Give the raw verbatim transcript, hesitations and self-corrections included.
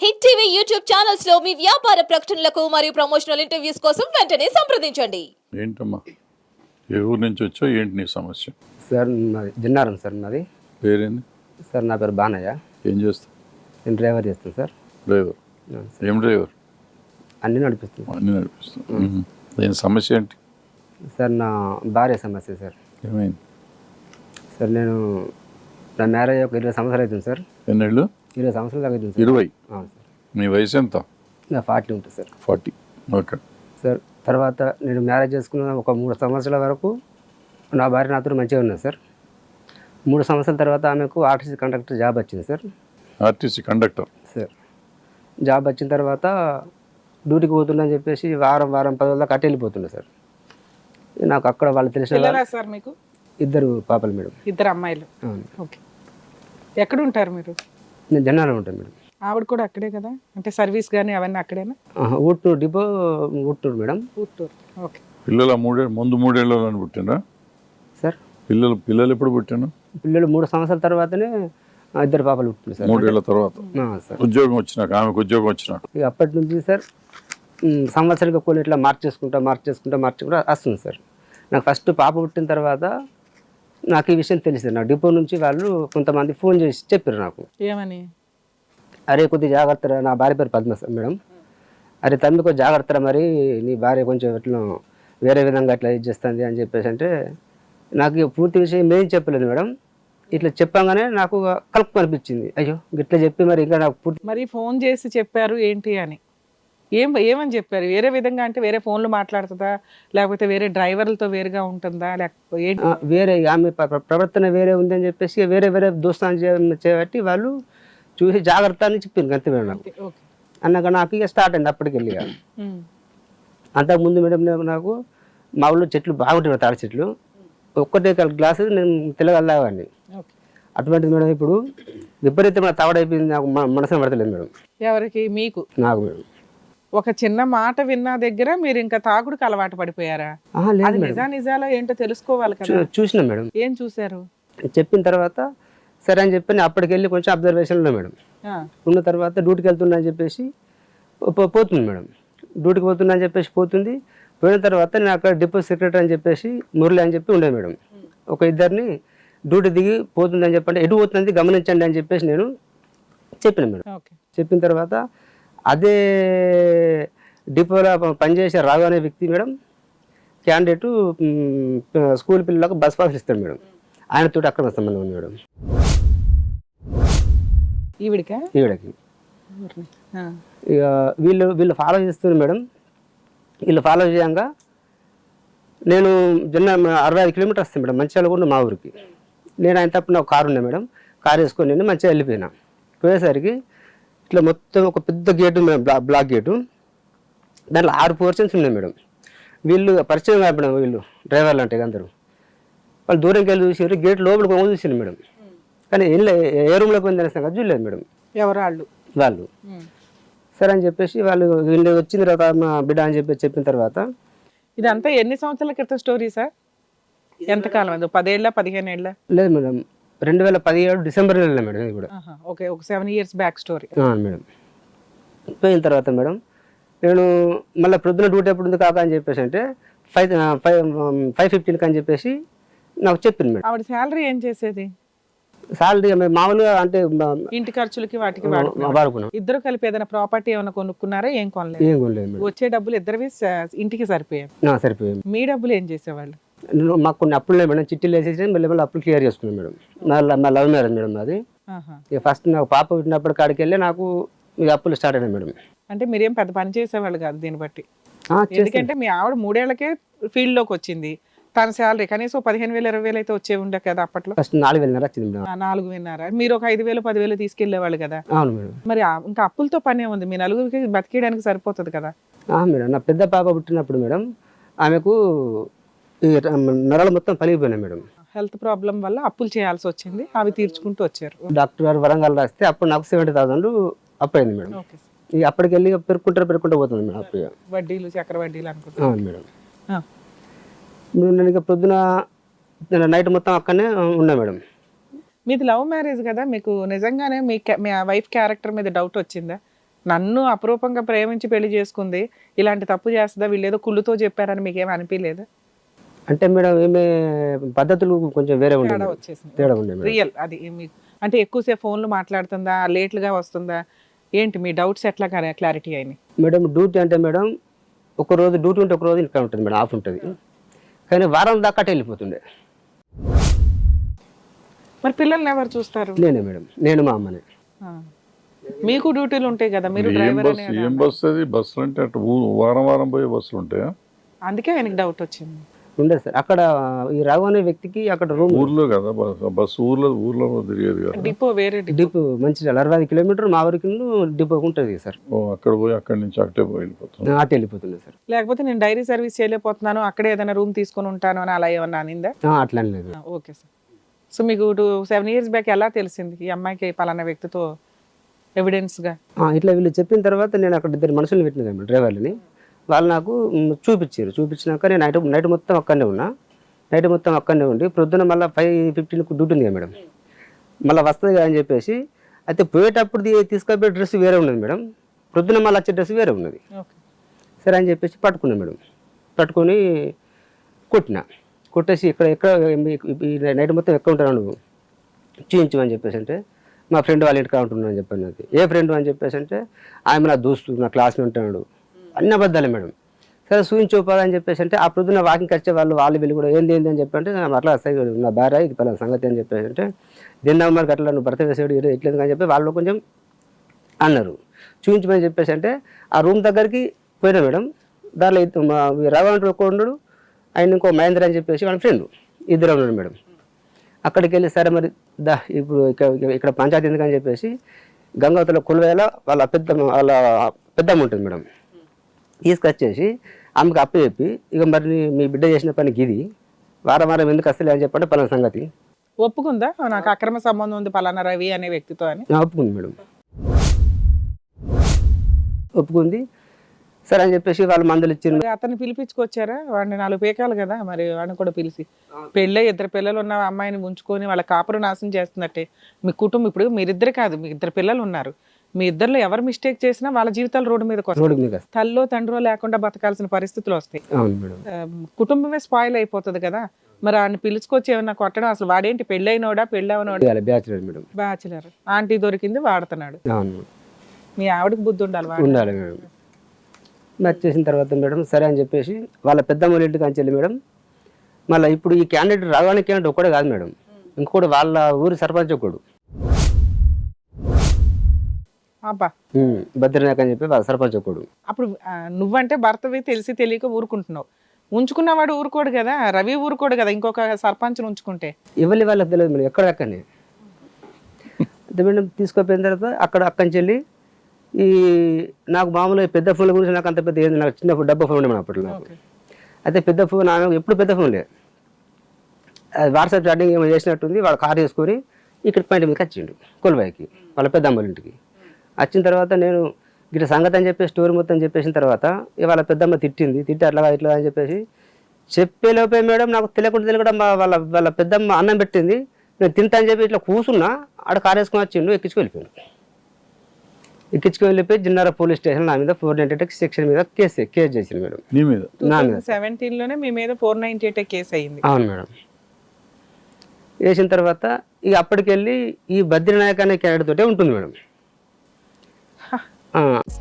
Hit TV YouTube channels లో మీ వ్యాపార ప్రకటనలకు మరియు ప్రమోషనల్ ఇంటర్వ్యూస్ కోసం వెంటనే సంప్రదించండి. ఏంటమ్మా ఏ ఊరు నుంచి వచ్చో ఏంటి నీ సమస్య? సార్ నాది జిన్నారం సార్ నాది. పేరేంది? సార్ నా పేరు బానయ్య. ఏం చేస్తావు? నేను డ్రైవర్ చేస్తాను సార్. డ్రైవర్? ఏం డ్రైవర్? అన్నీ నడిపిస్తాను. అన్నీ నడిపిస్తాను. దీని సమస్య ఏంటి సార్? నా భార్య సమస్య సార్. ఏమైంది సార్ నేను నా మ్యారేజ్ ఒక ఇరవై సంవత్సరాలు అవుతుంది సార్. ఎన్నేళ్ళు? ఇరవై సంవత్సరాలు దాకా అవుతుంది సార్. ఇరవై? అవును సార్. మీ వయసు ఎంత? నా ఫార్టీ ఉంటుంది సార్. ఫార్టీ. ఓకే సార్ తర్వాత నేను మ్యారేజ్ చేసుకున్న ఒక మూడు సంవత్సరాల వరకు నా భార్య నాతో మంచిగా ఉన్నది సార్. మూడు సంవత్సరాల తర్వాత ఆమెకు ఆర్టీసీ కండక్టర్ జాబ్ వచ్చింది sir. RTC conductor? Sir job వచ్చిన తర్వాత డ్యూటీకి పోతుందని చెప్పేసి వారం వారం పది రోజుల కట్టి వెళ్ళిపోతుండే సార్. నాకు అక్కడ వాళ్ళు తెలిసిన పిల్లలా సార్ మీకు? ఇద్దరు పాపలు మేడం. ఇద్దరు అమ్మాయిలు. అవును. ఓకే. ఎక్కడ ఉంటారు మీరు? నేను జన్నాలో ఉంటాను మేడం. ఆవిడ కూడా అక్కడే కదా? అంటే సర్వీస్ కానీ అవన్నీ అక్కడేనా? ఆహా, ఊట్నూరు డిపో ఊట్నూరు మేడం. ఊట్టూరు. ఓకే. పిల్లల మూడే ముందు మూడేళ్ళు పుట్టినరా సార్ పిల్లలు? పిల్లలు ఎప్పుడు పుట్టాను? పిల్లలు మూడు సంవత్సరాల తర్వాతనే ఆ, ఇద్దరు పాపలు పుట్టింది సార్. మూడేళ్ల తర్వాత ఆ, సార్ ఉద్యోగం వచ్చినాక, ఆమెకు ఉద్యోగం వచ్చినాక ఇక అప్పటి నుంచి సార్ ఉమ్, సంవత్సరానికి కొన్ని ఇట్లా మార్చేసుకుంటా మార్చేసుకుంటా మార్చుకుంటా వస్తుంది సార్. నాకు ఫస్ట్ పాప పుట్టిన తర్వాత నాకు ఈ విషయం తెలిసింది. నా డిపో నుంచి వాళ్ళు కొంతమంది ఫోన్ చేసి చెప్పారు నాకు, ఏమని? అరే కొద్దిగా జాగ్రత్త, నా భార్య పేరు పద్మ సార్ మేడం. అరే తమ్మి కొంచెం జాగ్రత్త, మరి నీ భార్య కొంచెం ఎట్లా వేరే విధంగా అట్లా ఇది చేస్తుంది అని చెప్పేసి అంటే నాకు ఇక పూర్తి విషయం ఏం చెప్పలేదు మేడం. ఇట్లా చెప్పగానే నాకు కలుపు అనిపించింది. అయ్యో ఇట్లా చెప్పి మరి ఇంకా నాకు పూర్తి మరి ఫోన్ చేసి చెప్పారు ఏంటి అని? ఏం ఏమని చెప్పారు? వేరే విధంగా అంటే వేరే ఫోన్లు మాట్లాడుతుందా, లేకపోతే వేరే డ్రైవర్లతో వేరుగా ఉంటుందా, లేకపోతే ఏంటి? ఆ, వేరే ఆమె ప్ర- ప్ర- ప్రవర్తన వేరే ఉందని చెప్పేసి వేరే వేరే దోస్తాన్ని చే- చేయబట్టి వాళ్ళు చూసి జాగ్రత్త అని చెప్పింది అంతే మేడం. నాకు ఓకే. అన్నాక నాకు ఇక స్టార్ట్ అయింది అప్పటికి వెళ్ళి. ఉమ్. అంతకుముందు మేడం నాకు నాకు మా ఊళ్ళో చెట్లు బాగుంటాయి, తాడి చెట్లు. ఒక్కటే గ్లాసు నేను తెల్లగల్లాగాన్ని. ఓకే. అటువంటిది మేడం ఇప్పుడు విపరీతమైన తావడైపోయింది. నాకు మ- మనసున పడతలేదు మేడం. ఎవరికి? మీకు? నాకు మేడం. ఒక చిన్న మాట విన్న దగ్గర మీరు ఇంకా తాగుడుకు అలవాటు పడిపోయారా? ఆహా, లేదు అది మేడం. నిజా నిజాలో ఏంటో తెలుసుకోవాలి కదా. చూ- చూసినా మేడం. ఏం చూశారు? చెప్పిన తర్వాత సరే అని చెప్పి నేను అప్పటికి వెళ్ళి కొంచెం అబ్జర్వేషన్లో మేడం ఆ, ఉన్న తర్వాత డ్యూటీకి వెళ్తున్నా అని చెప్పేసి పో- పో- పోతుంది మేడం. డ్యూటీకి పోతున్నా అని చెప్పేసి పోతుంది. పోయిన తర్వాత నేను అక్కడ డిపో సెక్రటరీ అని చెప్పేసి మురళి అని చెప్పి ఉండే మేడం. ఒక ఇద్దరిని డ్యూటీ దిగి పోతుందని చెప్పంటే ఎటు పోతుంది గమనించండి అని చెప్పేసి నేను చెప్పిన మేడం. ఓకే. చెప్పిన తర్వాత అదే డిపోలో ప- పనిచేసే రాఘు అనే వ్యక్తి మేడం క్యాండిడేటు మ్, స్కూల్ పిల్లలకు బస్ పాస్ ఇస్తాడు మేడం. ఆయనతో అక్రమ సంబంధం ఉంది మేడం ఈవిడికా? ఈవిడకి. ఆ, ఇక వీళ్ళు వీళ్ళు ఫాలో చేస్తున్నారు మేడం. వీళ్ళు ఫాలో చేయంగా నేను జన్న అరవై ఐదు కిలోమీటర్స్ వస్తాను మేడం మంచిర్యాల కూడా మా ఊరికి. నేను ఆయన తప్పుడు నాకు కారు ఉన్నాయి మేడం. కారు వేసుకొని నేను మంచిగా వెళ్ళిపోయినా. పోయేసరికి ఇట్లా మొత్తం ఒక పెద్ద గేటు ఉంది మేడం, బ్లా బ్లాక్ గేటు. దాంట్లో ఆరు పోర్షన్స్ ఉన్నాయి మేడం. వీళ్ళు పరిచయం కాదు మేడం, వీళ్ళు డ్రైవర్లు అంటే అందరూ. వాళ్ళు దూరంకి వెళ్ళి చూసారు, గేట్ లోపల పోయి చూసిండు మేడం. కానీ ఏం లే ఏ రూమ్లోకి పోయింది అనేసి నాకు చూడలేదు మేడం ఎవరు వాళ్ళు? వాళ్ళు. ఉమ్. సరే అని చెప్పేసి వాళ్ళు వీళ్ళు వచ్చిన తర్వాత మా బిడ్డ అని చెప్పి చెప్పిన తర్వాత ఇదంతా ఎన్ని సంవత్సరాల క్రితం స్టోరీ సార్? ఎంతకాలం? అది పదేళ్ళ పదిహేను ఏళ్ళ? లేదు మేడం, రెండు వేల పదిహేడు డిసెంబర్ నెలలో మేడం ఇది కూడా. ఓకే. ఒక సెవెన్ ఇయర్స్ బ్యాక్ స్టోరీ. ఆ, మేడం పోయిన తర్వాత మేడం నేను మళ్ళీ ప్రొద్దున డ్యూటీ ఎప్పుడు ఉంది కాక అని చెప్పేసి అంటే ఫైవ్ ఫైవ్ ఫైవ్ ఫిఫ్టీన్కి అని చెప్పేసి నాకు చెప్పింది మేడం. ఆవిడ శాలరీ ఏం చేసేది? సాలరీ మామూలుగా అంటే ఇంటి ఖర్చులకి వాటికి వాడుకున్నారు. వాడుకున్నాం. ఇద్దరు కలిపి ఏదైనా ప్రాపర్టీ ఏమైనా కొనుక్కున్నారా? ఏం కొనలేదు. ఏం కొనలేదు మేడం. వచ్చే డబ్బులు ఇద్దరివి స- ఇంటికి సరిపోయాయి. ఆ, సరిపోయింది. మీ డబ్బులు ఏం చేసేవాళ్ళు? నేను మాకు కొన్ని అప్పులు లేవు మేడం, చిట్టీలు వేసేసి మళ్ళీ మళ్ళీ అప్పులు క్లియర్ చేసుకున్నాను మేడం. నా నా లవ్ మ్యారేజ్ మేడం అది. ఆహా. ఇక ఫస్ట్ నాకు పాప పుట్టినప్పుడు కాడికి వెళ్ళి నాకు ఇక అప్పులు స్టార్ట్ అయినాయి మేడం. అంటే మీరేం పెద్ద పని చేసేవాళ్ళు కాదు దీన్ని బట్టి. ఆ, చేస్తాను. ఎందుకంటే మీ ఆవిడ మూడేళ్లకే ఫీల్డ్ లోకి వచ్చింది. తన శాలరీ కనీసం పదిహేను వేలు ఇరవై వేలు అయితే వచ్చే ఉండే కదా అప్పట్లో. ఫస్ట్ నాలుగు వేలన్నర వచ్చింది మేడం. ఆ, నాలుగు విన్నారా? మీరు ఒక ఐదు వేలు పదివేలు తీసుకెళ్లేవాళ్ళు కదా. అవును మేడం. మరి ఆ- ఇంకా అప్పులతో పనే ఉంది. మీ నలుగురికి బతికేయడానికి సరిపోతుంది కదా. ఆ, మేడం నా పెద్ద పాప పుట్టినప్పుడు మేడం ఆమెకు ఈ ర- నరాలు మొత్తం పలిగిపోయినాయి మేడం. హెల్త్ ప్రాబ్లం వల్ల అప్పులు చేయాల్సి వచ్చింది. అవి తీర్చుకుంటూ వచ్చారు. డాక్టర్ గారు వరంగల్ రాస్తే అప్పుడు నాకు సెవెంటీ థౌసండ్ అప్పు అయింది మేడం. ఓకే. ఇక అప్పటికి వెళ్ళి పెరుక్కుంటారు పెరుక్కుంటూ పోతుంది మేడం అప్పు. ఇక. వడ్డీలు చక్ర వడ్డీలు అనుకుంటా. అవును మేడం. నేను ఇక పొద్దున నైట్ మొత్తం అక్కడనే ఉన్నా మేడం. మీది లవ్ మ్యారేజ్ కదా, మీకు నిజంగానే మీ ca- మీ వైఫ్ క్యారెక్టర్ మీద డౌట్ వచ్చిందా? నన్ను అపురూపంగా ప్రేమించి పెళ్లి చేసుకుంది, ఇలాంటి తప్పు చేస్తుందా, వీళ్ళు ఏదో కుళ్ళుతో చెప్పారని మీకేం అనిపించలేదు? అంటే మేడం ఈమె పద్ధతులు కొంచెం వేరే ఉండే తేడా మేడం. వచ్చేసింది. తేడా ఉండే మేడం. రియల్ అది మీకు అంటే ఎక్కువసేపు ఫోన్లు మాట్లాడుతుందా, లేట్లుగా వస్తుందా, ఏంటి మీ డౌట్స్ ఎట్లా క్లారిటీ అయినాయి? మేడం డ్యూటీ అంటే మేడం ఒక రోజు డ్యూటీ ఉంటే ఒక రోజు ఇంకా ఉంటుంది మేడం, ఆఫ్ ఉంటుంది. కానీ వారం దాకా అటు వెళ్ళిపోతుండే. మరి పిల్లల్ని ఎవరు చూస్తారు? నేనే మేడం, నేను మా అమ్మనే. ఆ. మీకు డ్యూటీలు ఉంటాయి కదా, మీరు ఏం డ్రైవర్ బస్సు అనే ఏం బస్సు అది? బస్సులు అంటే అటు ఊ- వారం వారం పోయే బస్సులు ఉంటాయా? అందుకే ఆయనకి డౌట్ వచ్చింది. ఉండే సార్ అక్కడ ఈ రావు అనే వ్యక్తికి అక్కడ రూమ్ ఊర్లో కదా బస్సు బస్సు ఊర్లో ఊర్లో తిరిగేది కదా. డిపో వేరే డిపో. డిపో మంచి అరవై ఐదు కిలోమీటర్ మా వరకు డిపో ఉంటుంది సార్. ఓ, అక్కడ పోయి అక్కడి నుంచి అక్కడే పోయి వెళ్ళిపోతుంది. అటు వెళ్ళిపోతుండే సార్. లేకపోతే నేను డైరీ సర్వీస్ చేయలేకపోతున్నాను, అక్కడే ఏదైనా రూమ్ తీసుకొని ఉంటాను అని అలా ఏమన్నా అనిందా? ఆ, అట్లా అని లేదు. Okay sir. సో మీకు టూ సెవెన్ ఇయర్స్ బ్యాక్ ఎలా తెలిసింది ఈ అమ్మాయికి పలానా వ్యక్తితో ఎవిడెన్స్గా? ఆ, ఇట్లా వీళ్ళు చెప్పిన తర్వాత నేను అక్కడ ఇద్దరు మనుషులు పెట్టిన కదా డ్రైవర్లని, వాళ్ళు నాకు మ్, చూపించారు. చూపించినాక నేను నైట్ నైట్ మొత్తం అక్కడనే ఉన్నా. నైట్ మొత్తం అక్కడనే ఉండి ప్రొద్దున మళ్ళీ ఫైవ్ ఫిఫ్టీన్కి డ్యూటీ ఉంది కదా మేడం, మళ్ళీ వస్తుంది కదా అని చెప్పేసి అయితే పోయేటప్పుడు తీ- తీసుకపోయే డ్రెస్ వేరే ఉన్నది మేడం, ప్రొద్దున మళ్ళీ వచ్చే డ్రెస్ వేరే ఉన్నది. ఓకే. సరే అని చెప్పేసి పట్టుకున్నా మేడం. పట్టుకొని కొట్టిన. కొట్టేసి ఇక్కడ ఎక్కడ ఈ నైట్ మొత్తం ఎక్కడ ఉంటాను నువ్వు చూపించమని చెప్పేసి అంటే మా ఫ్రెండ్ వాళ్ళ ఇంటికి ఉంటున్నాను అని చెప్పాను. అది ఏ ఫ్రెండ్ అని చెప్పేసి అంటే ఆమె నా దోస్తు, నా క్లాస్మేట్ ఉంటున్నాడు, అన్ని అబద్ధాలే మేడం. సరే చూపించుకోవాలని చెప్పేసి అంటే ఆ ప్రొద్దున వాకింగ్ వచ్చే వాళ్ళు వాళ్ళు వీళ్ళు కూడా ఏంది ఏంది అని చెప్పి అంటే అట్లా వస్తాయి నా భార్య ఇది పలానా సంగతి అని చెప్పేసి అంటే దీన్ని మరి అట్లా నువ్వు భర్త వేసేవాడు ఎట్లేదు అని చెప్పి వాళ్ళు కొంచెం అన్నారు. చూపించమని చెప్పేసి అంటే ఆ రూమ్ దగ్గరికి పోయినా మేడం. దాంట్లో ఇద్ద- మా రావంటి ఒక ఉన్నాడు, ఆయన ఇంకో మహేంద్ర అని చెప్పేసి వాళ్ళ ఫ్రెండ్ ఇద్దరు ఉన్నాడు మేడం. అక్కడికి వెళ్ళి సరే మరి దా ఇప్పుడు ఇక్కడ ఇక్కడ పంచాయతీ ఎందుకని చెప్పేసి గంగావతిలో కొలువేల వాళ్ళ పెద్ద వాళ్ళ పెద్దమ్మ ఉంటుంది మేడం, తీసుకొచ్చేసి ఆమెకు అప్పు చెప్పి ఇక మరి నీ- మీ బిడ్డ చేసిన పనికి ఇది వారం వారం ఎందుకు వస్తలే అని చెప్పంటే పలానా సంగతి ఒప్పుకుందా నాకు అక్రమ సంబంధం ఉంది పలానా రవి అనే వ్యక్తితో అని? ఆ, ఒప్పుకుంది మేడం. ఒప్పుకుంది. సరే అని చెప్పేసి వాళ్ళు మందులు ఇచ్చింది. మరి అతన్ని పిలిపించుకొచ్చారా? వాడిని నాలుగు పేకాలు కదా, మరి వాడిని కూడా పిలిచి పెళ్ళై ఇద్దరు పిల్లలు ఉన్న అమ్మాయిని ఉంచుకొని వాళ్ళ కాపురం నాశనం చేస్తున్నట్టే మీ కుటుంబం. ఇప్పుడు మీరిద్దరు కాదు, మీ ఇద్దరు పిల్లలు ఉన్నారు, మీ ఇద్దరిలో ఎవరు మిస్టేక్ చేసినా వాళ్ళ జీవితాలు రోడ్డు మీదకి వస్తాయి. రోడ్డు మీద. తల్లో తండ్రో లేకుండా బతకాల్సిన పరిస్థితులు వస్తాయి. అవును మేడం. ఆ, కుటుంబమే స్పాయిల్ అయిపోతుంది కదా. మరి ఆయన పిలుచుకొచ్చి ఏమన్నా కొట్టడం, అసలు వాడేంటి పెళ్ళైనోడా పెళ్ళవనోడా? Bachelor madam. బ్యాచులర్. ఆంటీ దొరికింది వాడుతున్నాడు. అవును మీ ఆవిడకి బుద్ధి ఉండాలి. వాడు ఉండాలి మేడం. మ్యాచ్ చేసిన తర్వాత మేడం సరే అని చెప్పేసి వాళ్ళ పెద్దమ్మ ఇంటికి అని చెల్లి మేడం. మళ్ళీ ఇప్పుడు ఈ క్యాండిడేట్ రావడానికి క్యాండిడేట్ ఒక్కడే కాదు మేడం, ఇంకోటి వాళ్ళ ఊరి సర్పంచ్ ఒకడు అబ్బా. బద్రీనాయక్ అని చెప్పి వాళ్ళ సర్పంచ్ ఒకడు. అప్పుడు ఆ, నువ్వంటే భర్తవి తెలిసి తెలియక ఊరుకుంటున్నావు. ఉంచుకున్నవాడు ఊరుకోడు కదా, రవి ఊరుకోడు కదా ఇంకొక సర్పంచ్ని ఉంచుకుంటే. ఇవ్వలే వాళ్ళకి తెలియదు మేడం, ఎక్కడ అక్కడనే అయితే మేడం తీసుకుపోయిన తర్వాత అక్కడ అక్కడి నుంచి వెళ్ళి ఈ నాకు మామూలుగా పెద్ద ఫోన్ల గురించి నాకు అంత పెద్ద ఏంది, నాకు చిన్న ఫోన్ డబ్బా ఫోన్ ఉండే మేడం అప్పట్లో నాకు. అయితే పెద్ద ఫోన్ ఆమె ఎప్పుడు పెద్ద ఫోన్ లేదు, అది వాట్సాప్ చాటింగ్ ఏమో చేసినట్టుంది. వాడు కార్ చేసుకొని ఇక్కడ పాయింట్ మీదకి వచ్చిండు కొలుబాయికి వాళ్ళ పెద్ద అమ్మల ఇంటికి. వచ్చిన తర్వాత నేను ఇట్లా సంగతి అని చెప్పేసి స్టోరీ మొత్తం చెప్పేసిన తర్వాత ఇక వాళ్ళ పెద్దమ్మ తిట్టింది. తిట్టి అట్లా ఇట్లా అని చెప్పేసి చెప్పేలోపే మేడం నాకు తెలియకుండా తెలియకుండా మా వాళ్ళ వాళ్ళ పెద్దమ్మ అన్నం పెట్టింది. నేను తింటా అని చెప్పి ఇట్లా కూర్చున్నా, ఆడ కార్ వేసుకొని వచ్చిండు, ఎక్కించుకు వెళ్ళిపోయాను. ఎక్కించుకు వెళ్ళిపోయి జిన్నార పోలీస్ స్టేషన్ నా మీద ఫోర్ నైన్టీ ఎయిట్ సెక్షన్ మీద కేసు కేసు చేసింది మేడం. నీ మీద? నా మీద. సెవెంటీన్ లోనే మీ మీద ఫోర్ నైన్టీ ఎయిట్ కేసు అయింది. అవును మేడం. వేసిన తర్వాత ఇక అప్పటికెళ్ళి ఈ బద్రీనాయక్ అనే క్యారెక్టర్ తోటే ఉంటుంది మేడం. ఆ.